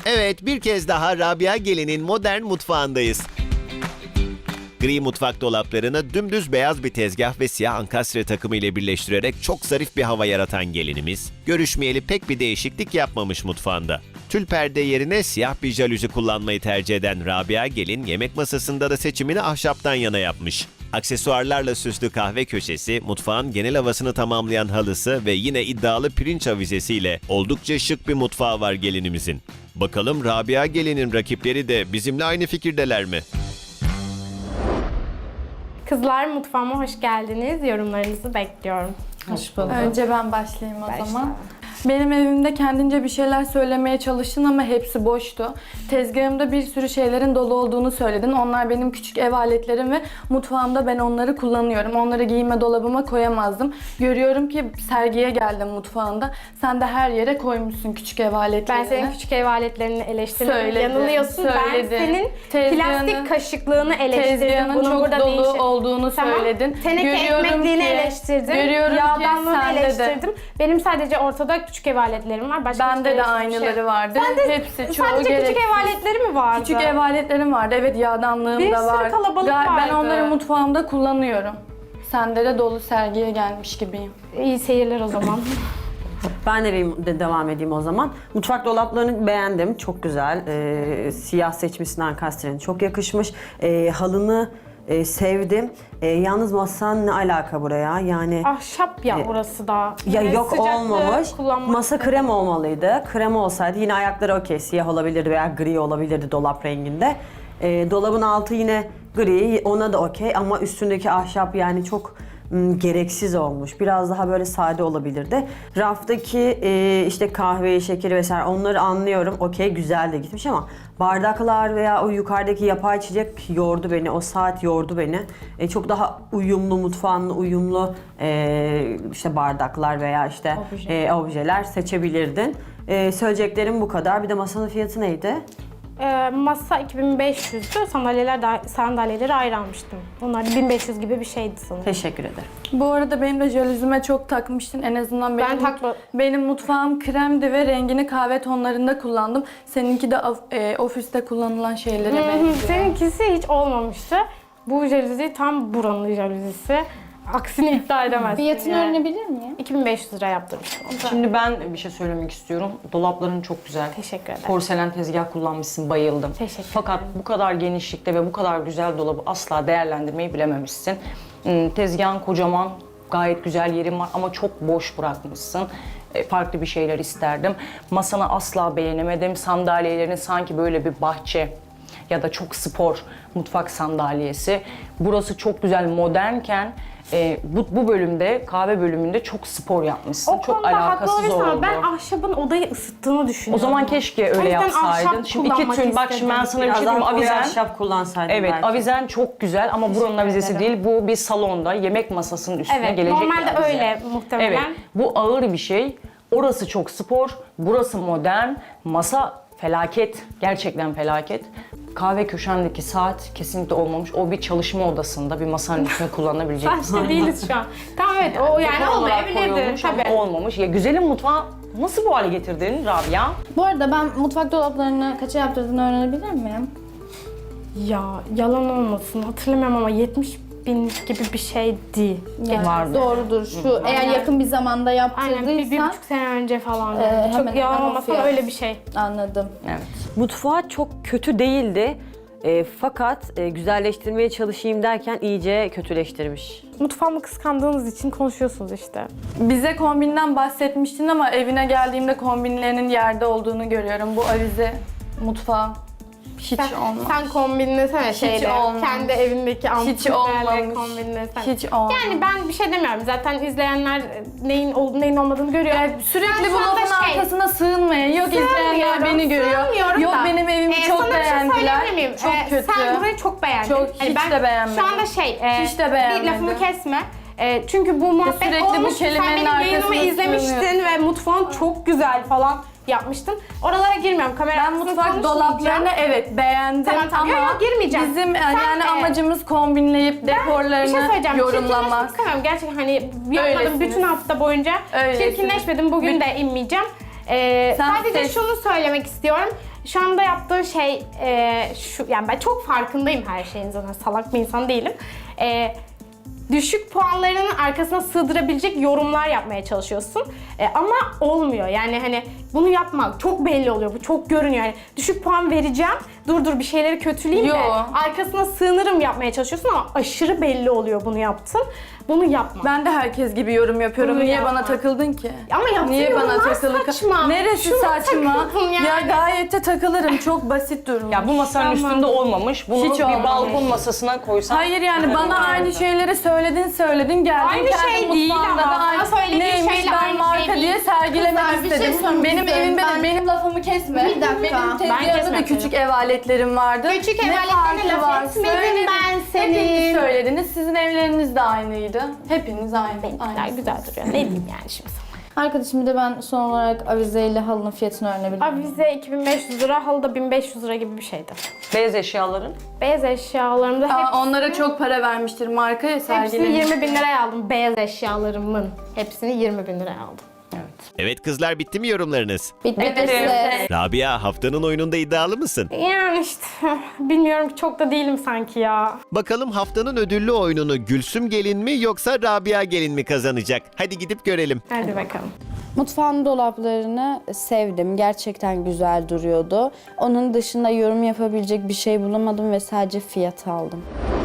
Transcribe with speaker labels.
Speaker 1: Evet, bir kez daha Rabia Gelin'in modern mutfağındayız. Gri mutfak dolaplarını dümdüz beyaz bir tezgah ve siyah ankastre takımı ile birleştirerek çok zarif bir hava yaratan gelinimiz, görüşmeyeli pek bir değişiklik yapmamış mutfağında. Tül perde yerine siyah bir jalüzi kullanmayı tercih eden Rabia Gelin, yemek masasında da seçimini ahşaptan yana yapmış. Aksesuarlarla süslü kahve köşesi, mutfağın genel havasını tamamlayan halısı ve yine iddialı pirinç avizesiyle oldukça şık bir mutfağı var gelinimizin. Bakalım Rabia Gelin'in rakipleri de bizimle aynı fikirdeler mi?
Speaker 2: Kızlar, mutfağıma hoş geldiniz. Yorumlarınızı bekliyorum.
Speaker 3: Hoş bulduk.
Speaker 4: Önce ben başlayayım o
Speaker 2: Başla.
Speaker 4: zaman. Benim evimde kendince bir şeyler söylemeye çalıştın ama hepsi boştu. Tezgahımda bir sürü şeylerin dolu olduğunu söyledin. Onlar benim küçük ev aletlerim ve mutfağımda ben onları kullanıyorum. Onları giyinme dolabıma koyamazdım. Görüyorum ki sergiye geldim mutfağında. Sen de her yere koymuşsun küçük ev aletlerini.
Speaker 2: Ben senin küçük ev aletlerini eleştirdim.
Speaker 4: Söyledin,
Speaker 2: Yanılıyorsun.
Speaker 4: söyledin.
Speaker 2: Ben senin
Speaker 4: Tezgahını-
Speaker 2: plastik kaşıklığını eleştirdim.
Speaker 4: Tezgahının
Speaker 2: Bunun
Speaker 4: çok
Speaker 2: burada
Speaker 4: dolu
Speaker 2: ne işi-
Speaker 4: olduğunu
Speaker 2: Tamam.
Speaker 4: söyledin.
Speaker 2: Teneke ekmekliğini eleştirdim.
Speaker 4: Görüyorum ki
Speaker 2: Yağdanlığını
Speaker 4: sende de.
Speaker 2: eleştirdim. Benim sadece ortada küçük ev aletlerim var. Başka
Speaker 4: Bende de
Speaker 2: hiçbir
Speaker 4: aynıları
Speaker 2: şey.
Speaker 4: vardı. Hepsi çoğu
Speaker 2: Sadece
Speaker 4: gereksiz.
Speaker 2: küçük ev aletleri mi vardı?
Speaker 4: Küçük ev aletlerim vardı. Evet, yağdanlığım
Speaker 2: Bir
Speaker 4: da
Speaker 2: sürü
Speaker 4: var.
Speaker 2: kalabalık
Speaker 4: Ben
Speaker 2: vardı.
Speaker 4: onları mutfağımda kullanıyorum. Sende de dolu sergiye gelmiş gibiyim.
Speaker 2: İyi seyirler o zaman.
Speaker 3: Ben de devam edeyim o zaman. Mutfak dolaplarını beğendim. Çok güzel. Siyah seçmişsin ankastrenin. Çok yakışmış. Halını sevdim. Yalnız masan ne alaka buraya? Yani
Speaker 2: Ahşap ya orası da.
Speaker 3: ya
Speaker 2: Yani
Speaker 3: yok
Speaker 2: sıcaklığı
Speaker 3: olmamış.
Speaker 2: kullanmak
Speaker 3: Masa krem olmalıydı. Krem olsaydı yine ayakları okey. Siyah olabilirdi veya gri olabilirdi dolap renginde. Dolabın altı yine gri. Ona da okey ama üstündeki ahşap yani çok gereksiz olmuş. Biraz daha böyle sade olabilirdi. Raftaki işte kahve, şekeri vesaire onları anlıyorum. Okey, güzel de gitmiş ama bardaklar veya o yukarıdaki yapay içecek yordu beni. O saat yordu beni. Çok daha uyumlu, mutfağınla uyumlu işte bardaklar veya işte objeler seçebilirdin. Söyleyeceklerim bu kadar. Bir de masanın fiyatı neydi?
Speaker 2: Masa 2500'dü. Sandalyeleri ayrı almıştım. Onlar 1500 gibi bir şeydi sanırım.
Speaker 3: Teşekkür ederim.
Speaker 4: Bu arada benim de jalüzime çok takmıştın. En azından benim mutfağım kremdi ve rengini kahve tonlarında kullandım. Seninki de ofiste kullanılan şeylere benziyor.
Speaker 2: Seninkisi hiç olmamıştı. Bu jaluzi tam buranın jaluzisi. Aksini iddia edemezsin.
Speaker 5: Fiyatını
Speaker 2: yani.
Speaker 5: öğrenebilir miyim?
Speaker 2: 2500 lira yaptırmıştım.
Speaker 6: Şimdi ben bir şey söylemek istiyorum. Dolapların çok güzel.
Speaker 2: Teşekkür ederim.
Speaker 6: Porselen tezgah kullanmışsın, bayıldım.
Speaker 2: Teşekkür
Speaker 6: Fakat bu kadar genişlikte ve bu kadar güzel dolabı asla değerlendirmeyi bilememişsin. Tezgahın kocaman, gayet güzel yerin var ama çok boş bırakmışsın. Farklı bir şeyler isterdim. Masanı asla beğenemedim. Sandalyelerini sanki böyle bir bahçe ya da çok spor mutfak sandalyesi. Burası çok güzel modernken bu bölümde, kahve bölümünde çok spor yapmışsın.
Speaker 2: O
Speaker 6: çok
Speaker 2: konuda haklı
Speaker 6: alakasız
Speaker 2: olabilirsin
Speaker 6: oldu.
Speaker 2: ama ben ahşabın odayı ısıttığını
Speaker 6: O
Speaker 2: düşünüyorum.
Speaker 6: zaman keşke
Speaker 2: O
Speaker 6: öyle
Speaker 2: yüzden
Speaker 6: yapsaydın.
Speaker 2: ahşap
Speaker 6: Şimdi iki
Speaker 2: kullanmak
Speaker 6: tür, bak şimdi ben
Speaker 2: istedim.
Speaker 6: sana bir
Speaker 3: Biraz
Speaker 6: şey
Speaker 3: daha
Speaker 6: diyeyim.
Speaker 3: koyu
Speaker 6: Avizen,
Speaker 3: ahşap kullansaydın
Speaker 6: evet,
Speaker 3: belki.
Speaker 6: avizen çok güzel ama buranın avizesi
Speaker 2: ederim.
Speaker 6: değil. Bu bir salonda yemek masasının üstüne
Speaker 2: Evet,
Speaker 6: gelecek bir
Speaker 2: normalde
Speaker 6: avize.
Speaker 2: öyle muhtemelen.
Speaker 6: Evet, bu ağır bir şey. Orası çok spor, burası modern. Masa felaket, gerçekten felaket. Kahve köşendeki saat kesinlikle olmamış. O bir çalışma odasında, bir masanın üstüne kullanabilecek bir
Speaker 2: Saçta değiliz şu an. Tamam evet o yani
Speaker 6: Dekor olarak
Speaker 2: olmayabilirdi.
Speaker 6: koyulmuş ama
Speaker 2: Tabii.
Speaker 6: olmamış. Ya güzelim mutfağı nasıl bu hale getirdin Rabia?
Speaker 5: Bu arada ben mutfak dolaplarını kaça yaptırdığını öğrenebilir miyim?
Speaker 2: Ya yalan olmasın hatırlamıyorum ama 70.000 gibi bir şeydi.
Speaker 5: Yani
Speaker 6: Vardı.
Speaker 5: doğrudur. Şu eğer yakın bir zamanda
Speaker 2: Aynen
Speaker 5: yaptırdıysan
Speaker 2: bir buçuk sene önce falan.
Speaker 5: hemen
Speaker 2: Çok yalan
Speaker 5: hemen o
Speaker 2: olmasın
Speaker 5: fiyat.
Speaker 2: öyle bir şey.
Speaker 5: anladım.
Speaker 6: Evet.
Speaker 3: Mutfağı çok kötü değildi. Fakat güzelleştirmeye çalışayım derken iyice kötüleştirmiş.
Speaker 2: Mutfağımı kıskandığınız için konuşuyorsunuz işte.
Speaker 4: Bize kombinden bahsetmiştin ama evine geldiğimde kombinlerinin yerde olduğunu görüyorum. Bu avize mutfağı hiç olmaz.
Speaker 2: Sen kombinlesene şeyle.
Speaker 4: olmamış.
Speaker 2: Kendi evindeki
Speaker 4: Hiç
Speaker 2: ampullerle
Speaker 4: olmamış.
Speaker 2: kombinlesene.
Speaker 4: Hiç olmaz.
Speaker 2: Yani ben bir şey demiyorum. Zaten izleyenler neyin olup neyin olmadığını görüyor.
Speaker 4: Sürekli
Speaker 2: Ben
Speaker 4: bu
Speaker 2: şu anda
Speaker 4: lafın arkasına sığınmayın. Yok izleyenler beni görüyor.
Speaker 2: Sığmıyorum
Speaker 4: Yok
Speaker 2: da.
Speaker 4: benim evimi çok
Speaker 2: sana bir şey
Speaker 4: beğendiler.
Speaker 2: söyleyebilir miyim?
Speaker 4: Çok kötü.
Speaker 2: Sen burayı çok beğendin.
Speaker 4: Çok, hiç de beğenmedim.
Speaker 2: Şu anda
Speaker 4: Hiç de beğenmedim.
Speaker 2: Bir lafımı kesme. Çünkü bu muhabbet
Speaker 4: sürekli bu
Speaker 2: olmuş. Sen
Speaker 4: kelimenin
Speaker 2: benim yayınımı
Speaker 4: arkasına
Speaker 2: izlemiştin
Speaker 4: sığınıyorsun.
Speaker 2: ve mutfağın çok güzel falan yapmıştın. Oralara girmiyorum. Kamera
Speaker 4: Ben
Speaker 2: arkasında
Speaker 4: mutfak
Speaker 2: konuşmayacağım.
Speaker 4: dolaplarını evet beğendim
Speaker 2: Tamam.
Speaker 4: ama
Speaker 2: Yok, girmeyeceğim.
Speaker 4: bizim
Speaker 2: Sen,
Speaker 4: amacımız kombinleyip
Speaker 2: Bir şey
Speaker 4: dekorlarını
Speaker 2: söyleyeceğim.
Speaker 4: yorumlamak.
Speaker 2: Çirkinleşmek istemiyorum. Gerçekten hani yapmadım
Speaker 4: Öylesiniz.
Speaker 2: bütün hafta boyunca.
Speaker 4: Öylesiniz.
Speaker 2: Çirkinleşmedim. Bugün de inmeyeceğim.
Speaker 4: Sen
Speaker 2: Sadece
Speaker 4: seç.
Speaker 2: şunu söylemek istiyorum. Şu anda yaptığın şey şu, yani ben çok farkındayım her şeyin, zaten salak bir insan değilim. Düşük puanlarının arkasına sığdırabilecek yorumlar yapmaya çalışıyorsun. Ama olmuyor. Yani hani bunu yapmak çok belli oluyor. Bu çok görünüyor. Yani düşük puan vereceğim. Dur bir şeyleri kötüleyeyim de
Speaker 4: Yo.
Speaker 2: arkasına sığınırım yapmaya çalışıyorsun ama aşırı belli oluyor bunu yaptın. Bunu yapma.
Speaker 4: Ben de herkes gibi yorum yapıyorum.
Speaker 2: Bunu
Speaker 4: Niye
Speaker 2: yapma.
Speaker 4: bana takıldın ki?
Speaker 2: Ama yaptığın
Speaker 4: Niye bana
Speaker 2: yorumlar
Speaker 4: takıldın?
Speaker 2: saçma.
Speaker 4: Neresi
Speaker 2: Şuna
Speaker 4: saçma?
Speaker 2: takıldın yani.
Speaker 4: Ya gayet de takılırım. Çok basit durum.
Speaker 6: Ya bu masanın üstünde olmamış. Bunu
Speaker 4: Hiç
Speaker 6: bir
Speaker 4: olmamış.
Speaker 6: balkon masasına koysan.
Speaker 4: Hayır yani bana aynı şeyleri söyledin geldin.
Speaker 2: Aynı
Speaker 4: kendi
Speaker 2: şey değil
Speaker 4: mutfağında
Speaker 2: ama.
Speaker 4: da aynı-
Speaker 2: Bana söylediğin
Speaker 4: neymiş
Speaker 2: şeyle
Speaker 4: ben
Speaker 2: aynı
Speaker 4: marka
Speaker 2: şey değil.
Speaker 4: diye sergilemek
Speaker 5: Kızlar, bir şey
Speaker 4: istedim.
Speaker 5: sormak
Speaker 4: Benim
Speaker 5: istiyorum.
Speaker 4: evimde
Speaker 5: Ben-
Speaker 4: de benim lafımı kesme.
Speaker 5: Bir dakika.
Speaker 4: Benim
Speaker 2: Ben
Speaker 4: tezgahımda da
Speaker 2: kesmedim.
Speaker 4: küçük ev aletlerim vardı.
Speaker 2: Küçük ev
Speaker 4: Ne
Speaker 2: aletlerine
Speaker 4: farkı
Speaker 2: laf
Speaker 4: var?
Speaker 2: etmedim
Speaker 4: Söyledim.
Speaker 2: ben senin.
Speaker 4: Hepiniz söylediniz. Sizin evleriniz de aynıydı. Hepiniz aynı.
Speaker 2: Benimkiler
Speaker 4: aynı.
Speaker 2: güzel duruyor. Ne diyeyim yani şimdi sana?
Speaker 5: Arkadaşım bir de ben son olarak avizeyle halının fiyatını öğrenebilir miyim?
Speaker 2: Avize 2500 lira, halı da 1500 lira gibi bir şeydi.
Speaker 6: Beyaz eşyaların.
Speaker 2: Beyaz eşyalarımda
Speaker 4: Onlara çok para vermiştir markaya
Speaker 2: hepsini
Speaker 4: sergilemiş.
Speaker 2: 20 bin liraya aldım. Beyaz eşyalarımın hepsini 20 bin liraya aldım.
Speaker 1: Evet kızlar, bitti mi yorumlarınız?
Speaker 5: Bitti size.
Speaker 1: Rabia, haftanın oyununda iddialı mısın?
Speaker 2: Yani işte bilmiyorum, çok da değilim sanki ya.
Speaker 1: Bakalım haftanın ödüllü oyununu Gülsüm gelin mi yoksa Rabia gelin mi kazanacak? Hadi gidip görelim.
Speaker 2: Hadi bakalım.
Speaker 7: Mutfağın dolaplarını sevdim. Gerçekten güzel duruyordu. Onun dışında yorum yapabilecek bir şey bulamadım ve sadece fiyat aldım.